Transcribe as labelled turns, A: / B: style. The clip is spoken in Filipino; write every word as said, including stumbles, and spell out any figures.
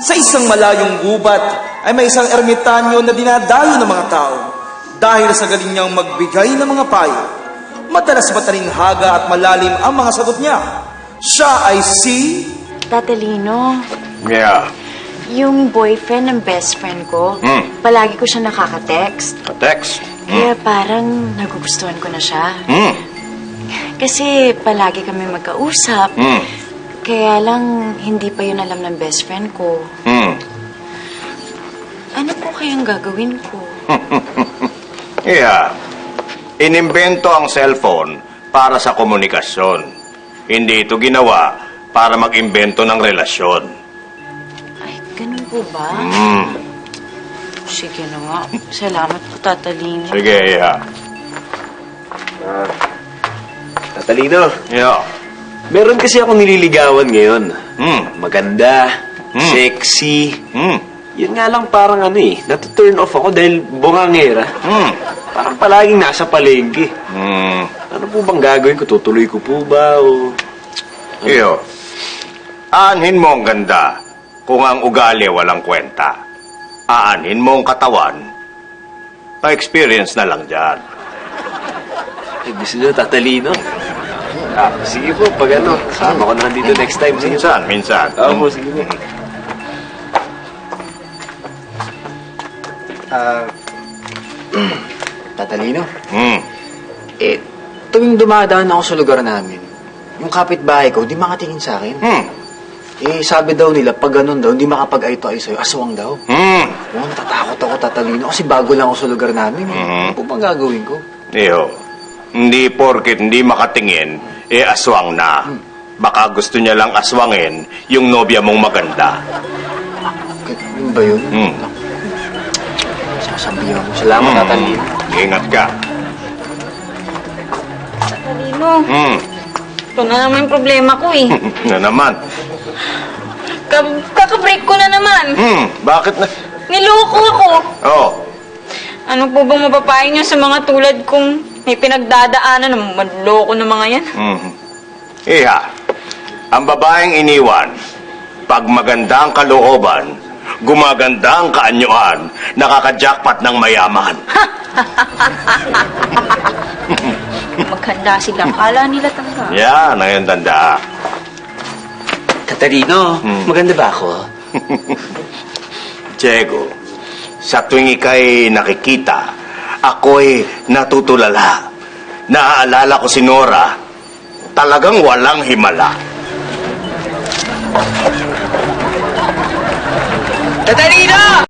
A: Sa isang malayong gubat ay may isang ermitanyo na dinadayo ng mga tao dahil sa galing niyang magbigay ng mga payo. Madalas matalinghaga at malalim ang mga sagot niya. Siya ay si...
B: Tatalino,
C: Yeah.
B: yung boyfriend ng best friend ko,
C: Hmm.
B: palagi ko siya nakaka-text.
C: Text.
B: Kaya parang nagugustuhan ko na siya.
C: Hmm.
B: Kasi palagi kami magkausap.
C: Hmm.
B: Kaya lang, hindi pa yun alam ng best friend ko.
C: Hmm.
B: Ano po kayang gagawin ko?
C: Yeah. Inimbento ang cellphone para sa komunikasyon. Hindi ito ginawa para mag-imbento ng relasyon.
B: Ay, ganun po ba?
C: Hmm.
B: Sige na nga. Salamat po, Tatalino.
C: Sige, yeah.
D: Tatalino,
C: Yeah.
D: meron kasi akong nililigawan ngayon.
C: Hmm.
D: Maganda,
C: Hmm.
D: sexy.
C: Hmm.
D: Yun nga lang parang ano eh, natu-turn off ako dahil bungangera.
C: Hmm.
D: Parang palaging nasa palengke.
C: Hmm.
D: Ano po bang gagawin ko? Tutuloy ko po ba o...
C: Iyo. Aanhin mo ang ganda kung ang ugali walang kwenta. Aanhin mo ang katawan. Pa-experience na lang dyan.
D: Ay, gusto nyo, Tatalino? Ah, sige po, pag ano, sama ko na dito next time. Sige po.
C: Minsan, minsan.
D: Oo po, sige po.
E: Ah, Tatalino,
C: Hmm.
E: eh, tuwing dumadaan ako sa lugar namin, yung kapitbahay ko, di makatingin sa akin.
C: Hmm.
E: Eh, sabi daw nila, pag ganun daw, hindi makapag-eye to eye sa'yo, aswang daw.
C: Hmm.
E: Oh, natatakot ako, Tatalino, kasi bago lang ako sa lugar namin. Eh.
C: Mhm.
E: Ano po bang gagawin ko?
C: Iyo. Hindi porket hindi makatingin, eh aswang na. Baka gusto niya lang aswangin yung nobya mong maganda.
E: Yun ba yun?
C: Hmm.
E: Sasabihan ko. Salamat,
C: Hmm.
E: Tatalino.
C: Ingat ka.
B: Tatalino,
C: Hmm.
B: ito na naman yung problema ko eh.
C: Na naman.
B: Ka- Kaka-break ko na naman.
C: Hmm. Bakit na?
B: Niloko ako.
C: Oh.
B: Ano po bang mapapayo niyo sa mga tulad kong may pinagdadaanan ng manloko ng mga yan?
C: Hmm. Iha. Ang babaeng iniwan, pag maganda ang kalooban, gumaganda ang kaanyuan, nakaka-jackpot ng mayaman.
B: Maganda sila. Kala nila talaga.
C: Yan, ang yung tanda.
D: Tatalino,
C: Hmm.
D: maganda ba ako?
C: Diego, sa tuwing ika'y nakikita, ako'y natutulala. Naaalala ko si Nora, talagang walang himala.
D: Tatalino!